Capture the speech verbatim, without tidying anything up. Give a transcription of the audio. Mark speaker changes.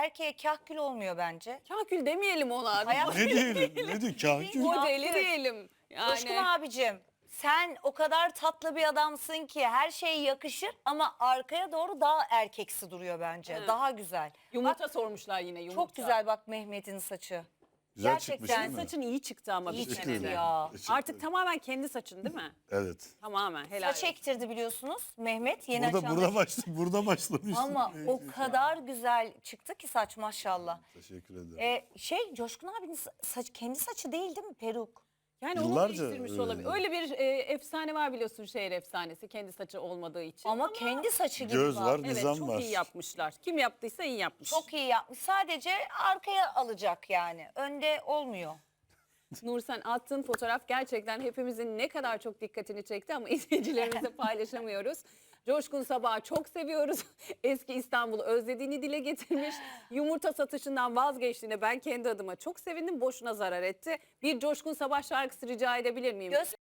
Speaker 1: erkeğe kahkül olmuyor bence.
Speaker 2: Kahkül demeyelim ona.
Speaker 1: Hayat-
Speaker 3: Ne diyelim? Ne diyor kahkül?
Speaker 2: Modeli diyelim.
Speaker 1: Coşkun
Speaker 2: Yani
Speaker 1: abicim, sen o kadar tatlı bir adamsın ki her şey yakışır ama arkaya doğru daha erkeksi duruyor bence.
Speaker 2: Evet.
Speaker 1: Daha güzel.
Speaker 2: yumurta
Speaker 1: Bak,
Speaker 2: sormuşlar yine yumurta.
Speaker 1: çok güzel bak Mehmet'in saçı.
Speaker 3: Güzel
Speaker 1: Gerçekten
Speaker 3: çıkmış değil mi?
Speaker 2: Saçın iyi çıktı ama
Speaker 1: İyi
Speaker 2: bir
Speaker 1: çıktı
Speaker 2: senede.
Speaker 1: ya.
Speaker 3: Teşekkür
Speaker 2: Artık
Speaker 3: ederim.
Speaker 2: tamamen kendi saçın değil mi?
Speaker 3: Evet.
Speaker 2: Tamamen helal
Speaker 1: Saç
Speaker 2: olsun.
Speaker 1: ektirdi biliyorsunuz Mehmet yeni
Speaker 3: Burada
Speaker 1: açan.
Speaker 3: burada başla burada başlamış.
Speaker 1: Ama o kadar güzel çıktı ki saç maşallah.
Speaker 3: Teşekkür ederim.
Speaker 1: Ee, şey Coşkun abinin saç kendi saçı değil değil mi peruk?
Speaker 2: Yani onu
Speaker 3: Yıllarca,
Speaker 2: değiştirmiş
Speaker 3: e,
Speaker 2: olabilir. Öyle bir e, efsane var biliyorsun, şehir efsanesi, kendi saçı olmadığı için.
Speaker 1: Ama, kendi saçı gibi
Speaker 3: Göz
Speaker 1: bak.
Speaker 3: var,
Speaker 2: Evet,
Speaker 3: nizam
Speaker 2: çok
Speaker 3: var.
Speaker 2: iyi yapmışlar. Kim yaptıysa iyi yapmış.
Speaker 1: Çok iyi yapmış. Sadece arkaya alacak yani. Önde olmuyor.
Speaker 2: Nursen, attığın fotoğraf gerçekten hepimizin ne kadar çok dikkatini çekti ama izleyicilerimizle paylaşamıyoruz. Coşkun Sabah'ı çok seviyoruz. Eski İstanbul'u özlediğini dile getirmiş. Yumurta satışından vazgeçtiğine ben kendi adıma çok sevindim. Boşuna zarar etti. Bir Coşkun Sabah şarkısı rica edebilir miyim?
Speaker 1: Göz